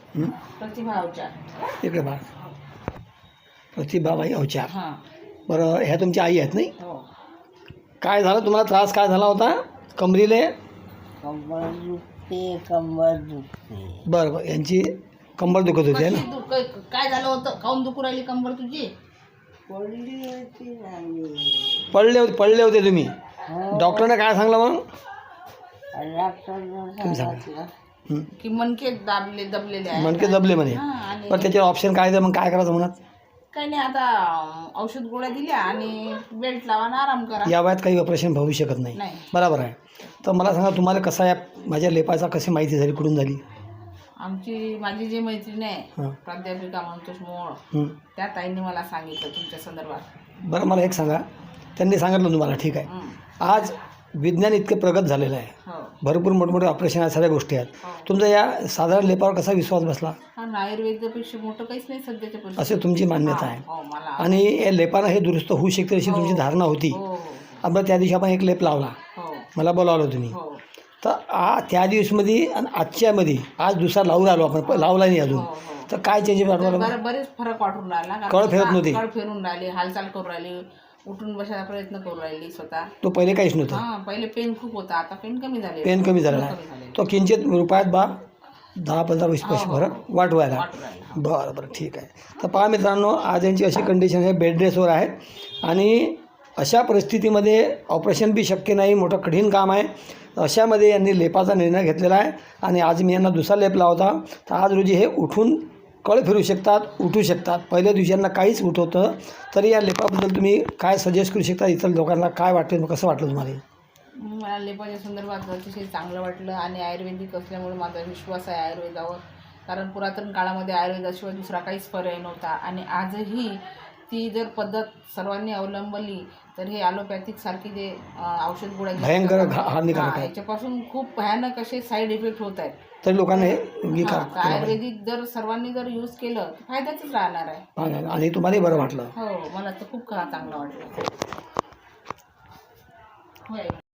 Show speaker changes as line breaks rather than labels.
प्रतिभा अवचार.
इकडे बा प्रतिभाबाई अवचार.
हां.
बरं, ह्या तुमच्या आई आहेत नाही?
हो.
काय झालं तुम्हाला, त्रास काय झाला होता कमरीले?
कंबर दुखते, कंबर दुखते.
बरं बरं, यांची कंबर दुखत होती आहे ना?
काय झालं होतं, काऊन दुखू राहिली कंबर तुझी?
पडली होती ना मी.
पडले होते तुम्ही?
हो.
डॉक्टरने काय सांगलं मग?
डॉक्टरनं सांगितलं
की मनके दबलेले आहे.
मणके दबले म्हणे.
हां, आणि
पण त्याच्यावर ऑप्शन काय आहे, मग काय करायचं म्हणत?
काही नाही, आता औषध गोळ्या दिल्या आणि बेल्ट लावा आणि आराम करा.
या वयात काही ऑपरेशन होऊ शकत नाही.
नाही.
बरोबर आहे. तर मला सांगा, तुम्हाला कसा या माझ्या लेपाचा कशी माहिती झाली, कुठून झाली?
माझी जी मैत्रीण आहे
हां.
प्राध्यापिका म्हणतोस मोळ,
हं.
त्या ताईंनी मला सांगितलं तुमच्या संदर्भात.
बरं, मला एक सांगा, त्यांनी सांगितलं तुम्हाला, ठीक आहे.
हं.
आज विज्ञान इतके प्रगत झालेलं आहे,
हो.
भरपूर मोठमोठे ऑपरेशन आहेत, सगळ्या गोष्टी आहेत.
हो.
तुमचा या साधारण लेपावर कसा विश्वास बसला?
हा, आयुर्वेदापेक्षा मोठं काहीच नाही सध्याच्या परिस्थितीत.
असे तुमची मान्यता आहे.
हो, मला.
आणि या लेपानं हे दुरुस्त होऊ शकते अशी तुमची धारणा होती.
हो.
आपण त्या दिवशी आपण एक लेप लावला,
हो.
मला बोलावलं तुम्ही.
हो.
तर त्या दिवसमध्ये आणि आजच्यामध्ये आज दुसरा लावून आलो आपण, लावला नाही अजून.
हो.
तर काय चेंजेस वाटवला?
बरेच फरक वाटून राहिला. कारण
कळ फिरत नव्हती.
कळ फिरून राहिली, हालचाल करून राहिली, उठून बसायचा प्रयत्न करून राहिली स्वतः.
तो पहिले काहीच नव्हतं.
हां, पहिले पेन खूप होता, आता पेन कमी झाले.
पेन कमी झालेला आहे. तो किंचित रुपयात 10-15 पैसे फरक वाटवायला.
वाटून राहिला.
बरं बरं, ठीक आहे. तर पहा मित्रांनो, आज यांची अशी कंडिशन आहे, बेड रेसवर आहेत आणि अशा परिस्थितीमध्ये ऑपरेशन बी शक्य नाही, मोठं कठीण काम आहे. अशामध्ये यांनी लेपाचा निर्णय घेतलेला आहे आणि आज मी यांना दुसरा लेप लावता. तर आज रोजी हे उठून कळ फिरू शकतात, उठू शकतात. पहिल्या दिवशी यांना काहीच उठवतं. तरी या लेपाबद्दल तुम्ही काय सजेस्ट करू शकता इतर लोकांना? काय वाटतं, कसं वाटलं तुम्हाला?
मला लेपाच्या संदर्भात अतिशय चांगलं वाटलं आणि आयुर्वेदिक असल्यामुळे माझा विश्वास आहे आयुर्वेदावर. कारण पुरातन काळामध्ये आयुर्वेदाशिवाय दुसरा काहीच पर्याय नव्हता आणि आजही ती जर पद्धत सर्वांनी अवलंबली तर हे ॲलोपॅथिक सारखी जे औषध गोळ्या
भयंकर हानिकारक आहे.
याच्यापासून खूप भयानक असे साईड इफेक्ट होत आहेत.
तरी लोकांना हे
तर आयुर्वेदिक जर सर्वांनी जर यूज केलं तर फायद्याचंच राहणार आहे.
आणि तुम्हालाही बरं वाटलं?
हो, मला तर खूप चांगलं वाटलं. होय.